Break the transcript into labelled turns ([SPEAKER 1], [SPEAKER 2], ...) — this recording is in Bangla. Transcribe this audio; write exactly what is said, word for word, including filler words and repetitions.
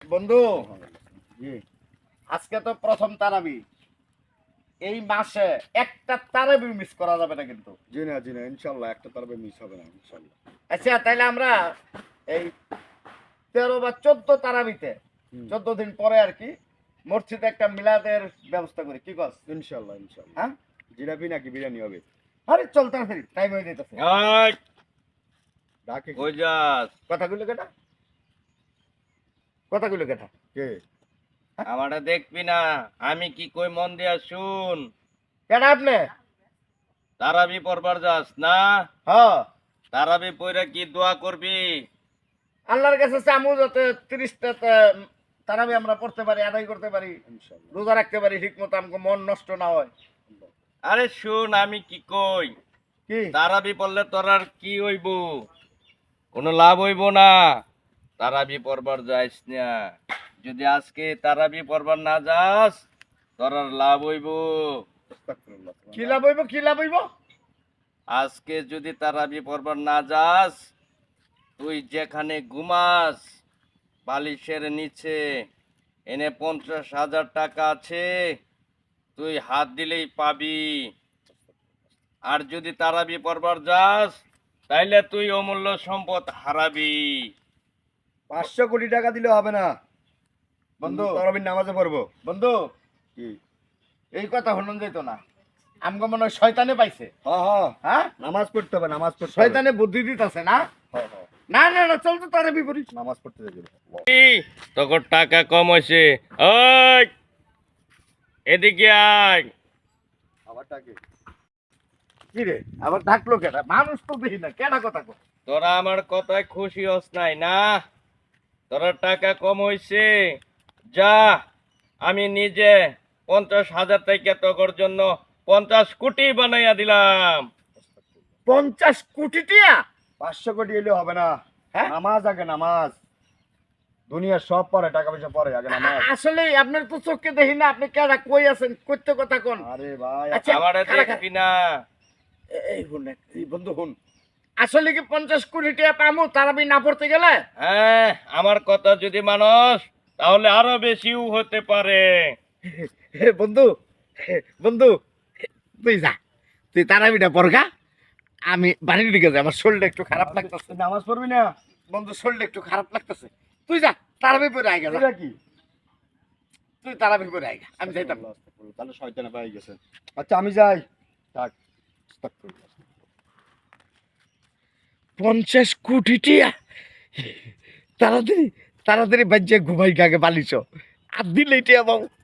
[SPEAKER 1] বন্ধু আজকে তো প্রথম তারাবি, এই মাসে একটা তারাবি মিস করা যাবে না কিন্তু।
[SPEAKER 2] জি না জি না ইনশাল্লাহ একটা তারাবি মিস হবে না ইনশাল্লাহ।
[SPEAKER 1] আচ্ছা তাইলে আমরা এই তেরো বা চোদ্দ তারাবিতে চোদ্দ দিন পরে আর কি মসজিদে একটা মিলাদের ব্যবস্থা করি, কি কস?
[SPEAKER 2] ইনশাল্লাহ ইনশাল্লাহ।
[SPEAKER 1] হ্যাঁ,
[SPEAKER 2] জিলাপি নাকি বিরিয়ানি হবে?
[SPEAKER 1] আরে চল তাড়াতাড়ি, টাইম হয়ে যেতেছে।
[SPEAKER 3] এই
[SPEAKER 2] ডাকে
[SPEAKER 3] কই যাস?
[SPEAKER 1] কথাগুলো কেটা কথাগুলো কেটা
[SPEAKER 2] কে?
[SPEAKER 3] আমারে দেখবি না, আমি কি কই মন দিয়া শুন।
[SPEAKER 1] কেটা আপনি?
[SPEAKER 3] তারাবি পড়বার যাস না?
[SPEAKER 1] হ্যাঁ,
[SPEAKER 3] তারাবি পড়া কি দোয়া করবি?
[SPEAKER 1] আল্লাহর কাছে চামু যাতে তিরিশটা তারাবি আমরা পড়তে পারি, আদায় করতে পারি,
[SPEAKER 2] ইনশাল্লাহ।
[SPEAKER 1] রোজা রাখতে পারি ঠিক মতো, আমাকে মন নষ্ট না হয়।
[SPEAKER 3] আরে শুন, আমি কি কই,
[SPEAKER 1] কি
[SPEAKER 3] তারাবি পড়লে তোর আর কি হইব? কোনো লাভ হইব না। তারাবি পড়বার যাইস না। যদি আজকে তারাবি পড়বার না যাস, তোর আর লাভ হইব।
[SPEAKER 2] আস্তাগফিরুল্লাহ।
[SPEAKER 1] কি লাভ হইব? কি লাভ হইব?
[SPEAKER 3] আজকে যদি তারাবি পড়বার না যাস, তুই যেখানে ঘুমাস বালিশের নিচে, এনে পঞ্চাশ হাজার টাকা আছে, তুই হাত দিলেই পাবি। আর যদি তারাবি পড়বার যাস, তাইলে তুই অমূল্য সম্পদ হারাবি।
[SPEAKER 2] পাঁচশো কোটি টাকা দিলে হবে না
[SPEAKER 1] বন্ধু
[SPEAKER 2] তারাবির নামাজে পড়বো।
[SPEAKER 1] বন্ধু
[SPEAKER 2] কি?
[SPEAKER 1] এই কথা হনন যেত না, আমগো মনে হয় শয়তানে পাইছে।
[SPEAKER 2] হ্যাঁ হ্যাঁ
[SPEAKER 1] হ্যাঁ,
[SPEAKER 2] নামাজ পড়তে হবে নামাজ পড়তে হবে।
[SPEAKER 1] শয়তানে বুদ্ধি দিতেছে না।
[SPEAKER 2] হ্যাঁ হ্যাঁ
[SPEAKER 1] না না না, চল তো তারাবি পড়ি।
[SPEAKER 2] নামাজ পড়তে যাবে।
[SPEAKER 3] তোর টাকা কম হয়েছে। ওই এদিকে আয়।
[SPEAKER 2] আবার টাকে
[SPEAKER 1] কি রে, আবার ডাকলো কেটা? মানুষ তো দেখি না, কেটা কথা কো?
[SPEAKER 3] তোরা আমার কথায় খুশি হস নাই না? তোরা টাকা কম হয়েছে, যা আমি নিজে পঞ্চাশ হাজার টাকা তোর জন্য পঞ্চাশ কোটি বানাইয়া দিলাম।
[SPEAKER 1] পঞ্চাশ কোটি টিয়া?
[SPEAKER 2] পাঁচশো কোটি এলে হবে না।
[SPEAKER 1] হ্যাঁ?
[SPEAKER 2] নামাজ আগে নামাজ। দুনিয়ার সব পরে টাকা পয়সা পরে আগে নামাজ।
[SPEAKER 1] আসলে আপনার তো চোখে দেখি না, আপনি কেটা কই আছেন, কইতে কথা কোন?
[SPEAKER 2] আরে ভাই
[SPEAKER 1] আচ্ছা,
[SPEAKER 3] আমারে
[SPEAKER 1] খারা,
[SPEAKER 3] দেখবি না?
[SPEAKER 1] এ- এই হুন এক- এই বন্ধু হুন, আসলে কি পঞ্চাশ কোটি টিয়া পামু তারাবি না পড়তে গেলে?
[SPEAKER 3] হ্যাঁ, আমার কথা যদি মানস তাহলে আরো বেশিও হতে পারে।
[SPEAKER 1] হে বন্ধু, হে বন্ধু, তুই যা, তুই তারাবিটা পড়গা, আমি বাড়ির দিকে যাই, আমার শরীরটা একটু খারাপ লাগতেছে।
[SPEAKER 2] নামাজ পড়বি না?
[SPEAKER 1] বন্ধু শরীরটা একটু খারাপ লাগতেছে, তুই যা তারাবি পড়ে আইগা, যা।
[SPEAKER 2] এটা কি?
[SPEAKER 1] তুই তারাবি পড়ে আইগা, আমি যাইতাম।
[SPEAKER 2] তাহলে শয়তানে পাই গেছে। আচ্ছা আমি যাই। থাক। আস্তাগফিরুল্লাহ।
[SPEAKER 1] পঞ্চাশ কোটি টিয়া, তাড়াতাড়ি তাড়াতাড়ি বাজ্যে ঘুমাই গাগে বালিশ, আর দিলেই টিয়া পাবো।